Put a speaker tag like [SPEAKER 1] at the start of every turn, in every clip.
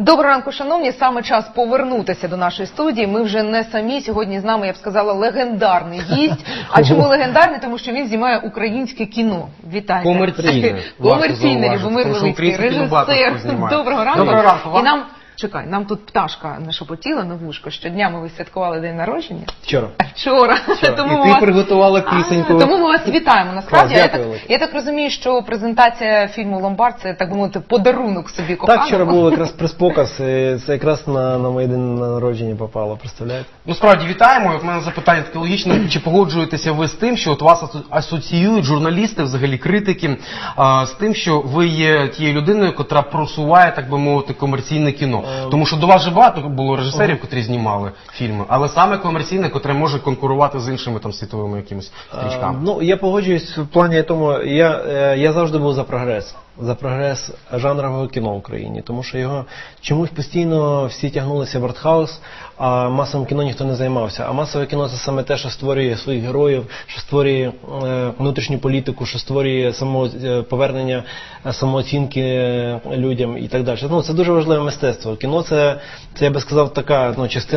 [SPEAKER 1] Доброго ранку, шановні. Саме час повернутися до нашої студії. Ми вже не самі. Сьогодні з нами, я б сказала, легендарний гість. А чому легендарний? Тому що він знімає українське кіно. Вітайте. Комерційне, Любомир Левицький, режисер. Доброго ранку.
[SPEAKER 2] Доброго ранку.
[SPEAKER 1] І нам... Чекай, нам тут пташка нашепотіла на вушко. Щодня ми святкували день народження.
[SPEAKER 2] Вчора.
[SPEAKER 1] Вчора.
[SPEAKER 2] Тому і ти приготувала пісеньку.
[SPEAKER 1] Тому ми вас вітаємо. Насправді,
[SPEAKER 2] Дякую.
[SPEAKER 1] я так розумію, що презентація фільму «Ломбард» – це, так би мовити, подарунок собі коханому.
[SPEAKER 2] Так, вчора був якраз прес-показ, і це якраз на моє день народження попало, представляєте?
[SPEAKER 3] Ну, справді, вітаємо. У мене запитання таке логічне. Чи погоджуєтеся ви з тим, що от вас асоціюють журналісти, взагалі критики, з тим, що ви є тією людиною, котра просуває, так би мовити, комерційне кіно? Тому що до вас же багато було режисерів, котрі знімали фільми, але саме комерційне, котре може конкурувати з іншими там світовими якимись стрічками.
[SPEAKER 2] Ну, я погоджуюсь в плані тому, я завжди був за прогрес жанрового кіно в Україні, тому що його чомусь постійно всі тягнулися в артхаус, а масовим кіно ніхто не займався. А масове кіно – це саме те, що створює своїх героїв, що створює внутрішню політику, що створює повернення самооцінки людям і так далі. Ну, це дуже важливе мистецтво. Кіно – це я би сказав, така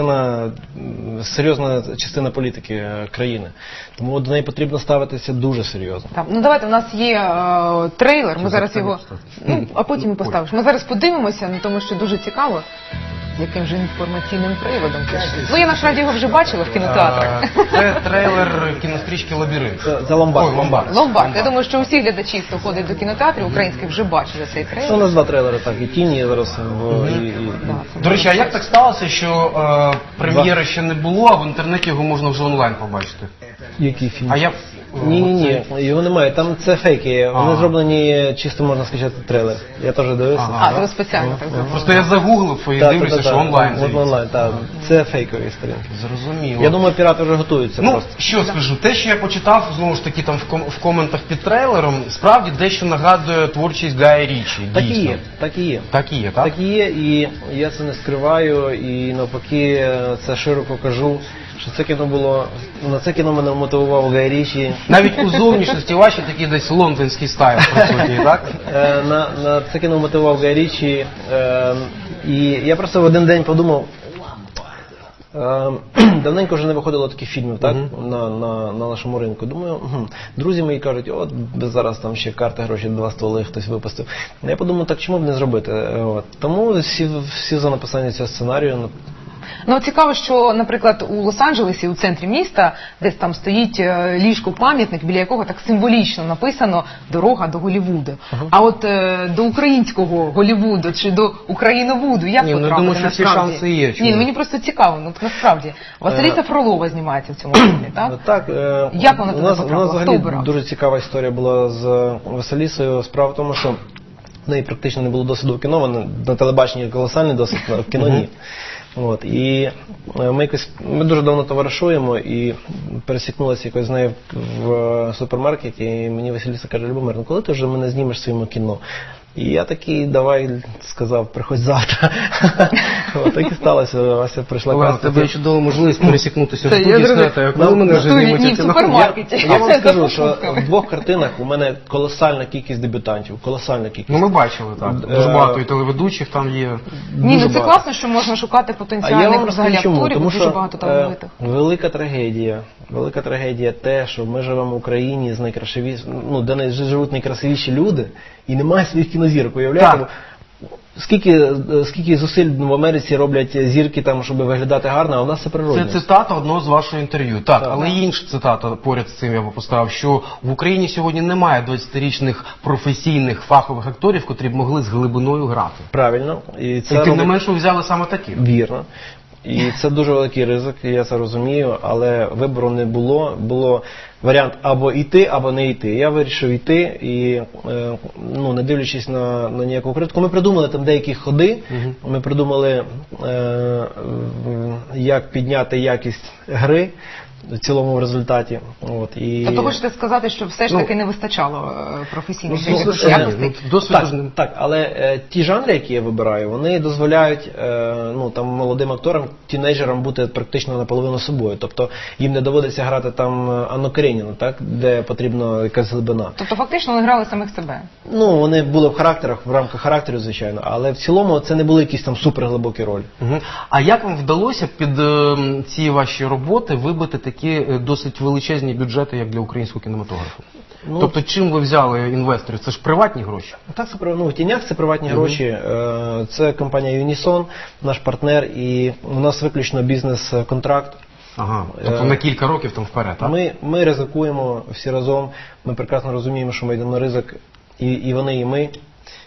[SPEAKER 2] серйозна частина політики країни. Тому до неї потрібно ставитися дуже серйозно.
[SPEAKER 1] Так, ну давайте, у нас є трейлер, ми зараз його, а потім і поставиш. Ми зараз подивимося, тому що дуже цікаво, яким же інформаційним приводом. Ну, я насправді його вже бачила в кінотеатрах.
[SPEAKER 3] Це трейлер кінострічки «Лабіринт».
[SPEAKER 2] Це «Ломбард».
[SPEAKER 1] «Ломбард». Я думаю, що усі глядачі, хто ходить до кінотеатрів українських, вже бачили цей трейлер.
[SPEAKER 2] Це у нас два трейлери, так, і «Тіні» зараз.
[SPEAKER 3] До речі, а як так сталося, що прем'єри ще не було, а в інтернеті його можна вже онлайн побачити?
[SPEAKER 2] Який фільм? Ні, його немає. Там це фейки. Вони зроблені чисто, можна сказати, трейлер. Я теж дивився.
[SPEAKER 1] Це ви спеціально так зробили.
[SPEAKER 3] Просто я загуглив і дивлюся, що онлайн.
[SPEAKER 2] Онлайн, так. Це фейкові сторінки.
[SPEAKER 3] Зрозуміло.
[SPEAKER 2] Я думаю, пірати вже готуються просто.
[SPEAKER 3] Ну, що скажу, те, що я почитав, знову ж таки, там в коментах під трейлером, справді дещо нагадує творчість Гая Річі.
[SPEAKER 2] Так і є.
[SPEAKER 3] Так і є, так?
[SPEAKER 2] Так і є, і я це не скриваю, і навпаки, це широко кажу, що це кіно було, на це кіно мене мотивував Гай Річі.
[SPEAKER 3] Навіть у зовнішності ваші такий десь лондонський стайл присутній, так?
[SPEAKER 2] На це кіно мотивував Гай Річі, і я просто в один день подумав, давненько вже не виходило таких фільмів, так, на нашому ринку. Думаю, друзі мої кажуть, от зараз там ще карти, гроші, 2 столи хтось випустив. Я подумав, так чому б не зробити? Тому сів за написання цього сценарію.
[SPEAKER 1] Ну, цікаво, що, наприклад, у Лос-Анджелесі, у центрі міста, десь там стоїть ліжко-пам'ятник, біля якого так символічно написано «Дорога до Голлівуду». А от до українського Голлівуду чи до Україновуду як потрапити, насправді?
[SPEAKER 3] Я думаю, що всі шанси є.
[SPEAKER 1] Ні, мені просто цікаво, насправді. Василіса Фролова знімається в цьому фільмі, так?
[SPEAKER 2] Так.
[SPEAKER 1] Як вона туди потрапила?
[SPEAKER 2] У нас взагалі дуже цікава історія була з Василісою. Справа в тому, що в неї практично не було досвіду в кіно, вона на телебаченні колосальний досвід, в кіно ні. І ми дуже давно товаришуємо і пересікнулися якось з нею в супермаркеті, і мені Василіса каже: Любомир, ну коли ти вже мене знімеш в своєму кіно? І я такий, давай, сказав, приходь завтра. Так і сталося, Вася прийшла
[SPEAKER 3] кастинг. Тебе є чудова можливість пересікнутися в студії Снета, коли мене вже знімуть
[SPEAKER 1] в супермаркеті.
[SPEAKER 2] Я вам скажу, що в 2 картинах у мене колосальна кількість дебютантів, колосальна кількість.
[SPEAKER 3] Ну ми бачили, так. Дуже багато і телеведучих там є.
[SPEAKER 1] Ні, ну це класно, що можна шукати потенціальних взагалі акторів, дуже багато талановитих.
[SPEAKER 2] Велика трагедія те, що ми живемо в Україні, де живуть найкрасивіші люди, і немає своїх кінозірок, уявляєте? Скільки зусиль в Америці роблять зірки там, щоб виглядати гарно, а у нас це природне.
[SPEAKER 3] Це цитата одного з вашого інтерв'ю. Так, але є інша цитата поряд з цим я поставив, що в Україні сьогодні немає 20-річних професійних фахових акторів, котрі б могли з глибиною грати.
[SPEAKER 2] Правильно.
[SPEAKER 3] І тим не менше ви взяли саме таких.
[SPEAKER 2] Вірно. І це дуже великий ризик, я це розумію, але вибору не було. Було варіант або йти, або не йти. Я вирішив йти і, не дивлячись на ніяку критику, ми придумали там деякі ходи, ми придумали, як підняти якість гри. в цілому в результаті. От, і...
[SPEAKER 1] Тобто хочете сказати, що все ж таки не вистачало професійних якостей?
[SPEAKER 3] Досвіду
[SPEAKER 2] Так, але ті жанри, які я вибираю, вони дозволяють там молодим акторам, тінейджерам бути практично наполовину собою. Тобто їм не доводиться грати там Анну Кареніну, так, де потрібна якась глибина.
[SPEAKER 1] Тобто фактично вони грали самих себе?
[SPEAKER 2] Ну, вони були в характерах, в рамках характеру, звичайно, але в цілому це не були якісь там суперглибокі ролі.
[SPEAKER 3] А як вам вдалося під ці ваші роботи вибити такі досить величезні бюджети, як для українського кінематографу? Тобто чим ви взяли інвесторів? Це ж приватні гроші?
[SPEAKER 2] Так, це в тінях це приватні гроші. Це компанія Unison, наш партнер, і у нас виключно бізнес-контракт.
[SPEAKER 3] Ага, тобто на кілька років там вперед, так?
[SPEAKER 2] Ми ризикуємо всі разом, ми прекрасно розуміємо, що ми йдемо на ризик, і вони, і ми.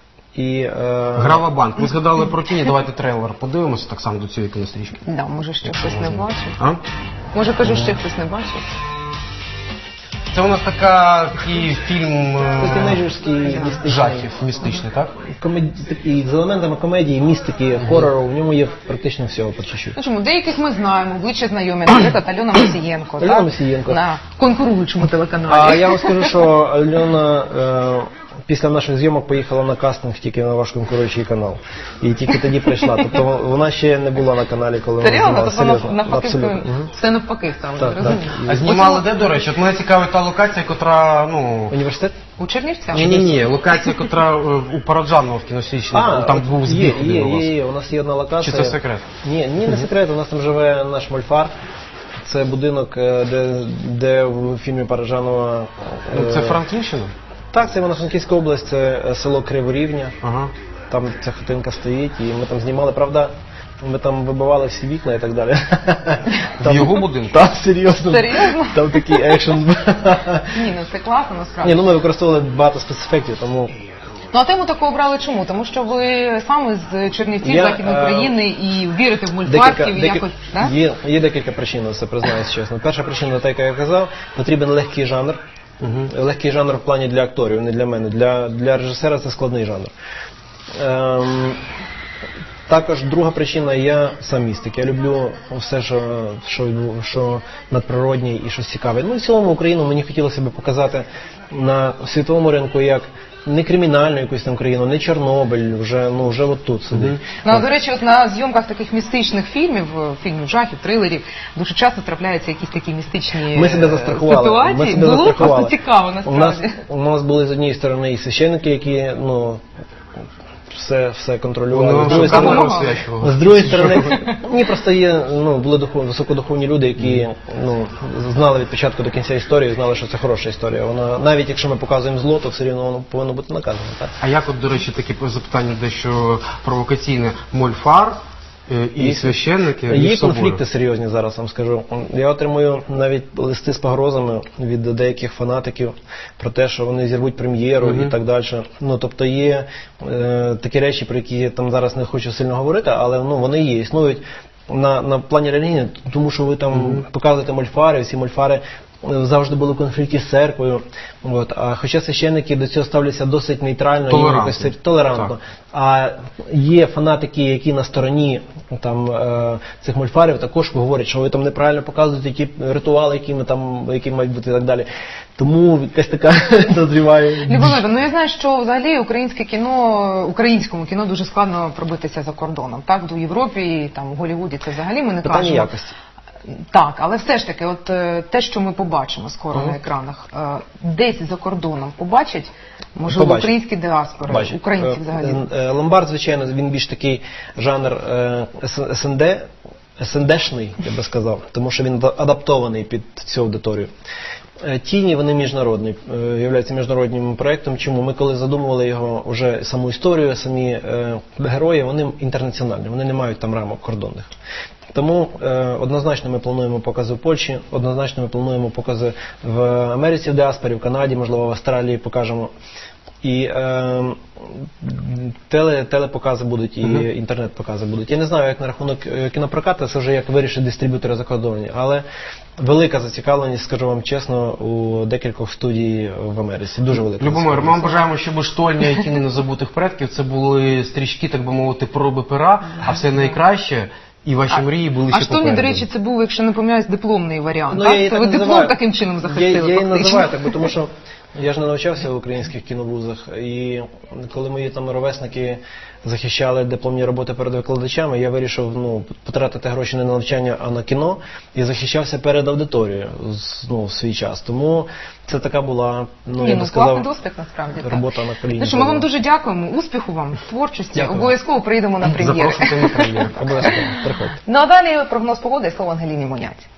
[SPEAKER 3] Грава банк. Ви згадали про тіні, давайте трейлер подивимося так само до цієї кінострічки.
[SPEAKER 1] Да, може ще хтось не бачив.
[SPEAKER 3] А?
[SPEAKER 1] Може, кажу, ще хтось не бачив.
[SPEAKER 3] Це у нас такий фільм
[SPEAKER 2] Тінейджерський, містичний.
[SPEAKER 3] жахів, містичний, так?
[SPEAKER 2] Такий, з елементами комедії, містики, хорору, в ньому є практично всього по чуть-чуть.
[SPEAKER 1] Ну чому, деяких ми знаємо, обличчя знайомі, наприклад, Альона Мосієнко,
[SPEAKER 2] Альона Мосієнко.
[SPEAKER 1] на конкуруючому телеканалі.
[SPEAKER 2] А я вам скажу, що Альона після наших зйомок поїхала на кастинг тільки на ваш конкуруючий канал. І тільки тоді прийшла. Тобто вона ще не була на каналі, коли вона
[SPEAKER 1] Серйозно?
[SPEAKER 2] знімала.
[SPEAKER 1] Тобто навпаки, все навпаки стало,
[SPEAKER 2] Так,
[SPEAKER 1] розумію.
[SPEAKER 3] А знімали де, до речі? От мене цікавить та локація, котра,
[SPEAKER 2] Університет?
[SPEAKER 1] У Чернівцях?
[SPEAKER 3] Ні, локація, котра у Параджанова в кінострічці, там був збіг.
[SPEAKER 2] Є, у нас є одна локація.
[SPEAKER 3] Чи це секрет?
[SPEAKER 2] Ні, не секрет, у нас там живе наш мольфар. Це будинок, де в фільмі Параджанова...
[SPEAKER 3] Це Франківщина?
[SPEAKER 2] Так, це Івано-Франківська область, це село Криворівня.
[SPEAKER 3] Ага.
[SPEAKER 2] Там ця хатинка стоїть, і ми там знімали, правда, ми там вибивали всі вікна і так далі.
[SPEAKER 3] В його будинку?
[SPEAKER 2] Так, серйозно.
[SPEAKER 1] Серйозно?
[SPEAKER 2] Там такий екшен.
[SPEAKER 1] Ні, ну це класно насправді.
[SPEAKER 2] Ні, ми використовували багато спецефектів, тому...
[SPEAKER 1] Ну а тему таку обрали чому? Тому що ви саме з Чернівців, Західної України і вірите в мультфарків і якось, так?
[SPEAKER 2] Є декілька причин, це признаюсь чесно. Перша причина, так як я казав, потрібен легкий жанр. Легкий жанр в плані для акторів, не для мене. Для режисера це складний жанр. Також друга причина, я сам містик. Я люблю все, що надприроднє і щось цікаве. Ну і в цілому Україну мені хотілося б показати на світовому ринку як не кримінальну якусь там країну, не Чорнобиль, вже от тут сидить.
[SPEAKER 1] Ну, а, до речі, от на зйомках таких містичних фільмів жахів, трилерів, дуже часто трапляються якісь такі містичні
[SPEAKER 2] Ми себе застрахували.
[SPEAKER 1] ситуації. Було просто цікаво, насправді.
[SPEAKER 2] У нас були з однієї сторони і священники, які, все контролювали. З другої сторони, просто були високодуховні люди, які знали від початку до кінця історію, знали, що це хороша історія. Вона, навіть якщо ми показуємо зло, то все рівно воно повинно бути наказано. Так?
[SPEAKER 3] А як от, до речі, таке запитання дещо провокаційне, мольфар і священники між
[SPEAKER 2] Є
[SPEAKER 3] собою?
[SPEAKER 2] конфлікти серйозні зараз, вам скажу. Я отримую навіть листи з погрозами від деяких фанатиків про те, що вони зірвуть прем'єру і так далі. Тобто є такі речі, про які я там зараз не хочу сильно говорити, але вони є, існують на плані релігії, тому що ви там показуєте мольфари, всі мольфари завжди були в конфлікті з церквою. А хоча священники до цього ставляться досить нейтрально, толерантно. А є фанатики, які на стороні цих мольфарів також говорять, що ви там неправильно показуєте ті ритуали, які мають бути і так далі. Тому якась така дозріває.
[SPEAKER 1] Любомир, я знаю, що взагалі українському кіно дуже складно пробитися за кордоном. Так, до Європи і в Голлівуді це взагалі ми не кажемо.
[SPEAKER 2] Питання якості.
[SPEAKER 1] Так, але все ж таки, от те, що ми побачимо скоро на екранах, десь за кордоном побачать, можливо, українські діаспори, українці взагалі.
[SPEAKER 2] Ломбард, звичайно, він більш такий жанр СНД-шний, я би сказав, тому що він адаптований під цю аудиторію. Тіні, вони міжнародні, являються міжнародним проєктом. Чому? Ми коли задумували його, вже саму історію, самі герої, вони інтернаціональні, вони не мають там рамок кордонних. Тому однозначно ми плануємо покази в Польщі, однозначно ми плануємо покази в Америці, в діаспорі, в Канаді, можливо, в Австралії покажемо. І телепокази будуть, і інтернет-покази будуть. Я не знаю, як на рахунок кінопрокату, це вже як вирішить дистриб'ютори закордонні, але велика зацікавленість, скажу вам чесно, у декількох студій в Америці. Дуже велика.
[SPEAKER 3] Любомир, ми вам бажаємо, щоб штольня і тіні незабутих предків це були стрічки, так би мовити, проби пера, а все найкраще І ваші мрії були ще
[SPEAKER 1] А штольні, до
[SPEAKER 3] попереду.
[SPEAKER 1] речі, це був, якщо не помиляюсь, дипломний варіант.
[SPEAKER 2] Ну, я її
[SPEAKER 1] так?
[SPEAKER 2] так
[SPEAKER 1] Ви диплом
[SPEAKER 2] називаю.
[SPEAKER 1] таким чином захистили
[SPEAKER 2] Я її
[SPEAKER 1] фактично.
[SPEAKER 2] називаю так, бо тому що я ж не навчався в українських кіновузах, і коли мої там ровесники захищали дипломні роботи перед викладачами, я вирішив потратити гроші не на навчання, а на кіно, і захищався перед аудиторією в свій час. Тому це така була, я би
[SPEAKER 1] класний
[SPEAKER 2] сказав,
[SPEAKER 1] досвід, насправді. так.
[SPEAKER 2] робота на коліні.
[SPEAKER 1] Ну що, ми вам дуже дякуємо, успіху вам в творчості,
[SPEAKER 2] Дякую.
[SPEAKER 1] обов'язково прийдемо на прем'єри.
[SPEAKER 3] Запрошуйте на прем'єру.
[SPEAKER 2] Обов'язково, приходьте.
[SPEAKER 1] Ну а далі прогноз погоди і слово Ангеліні Моняці.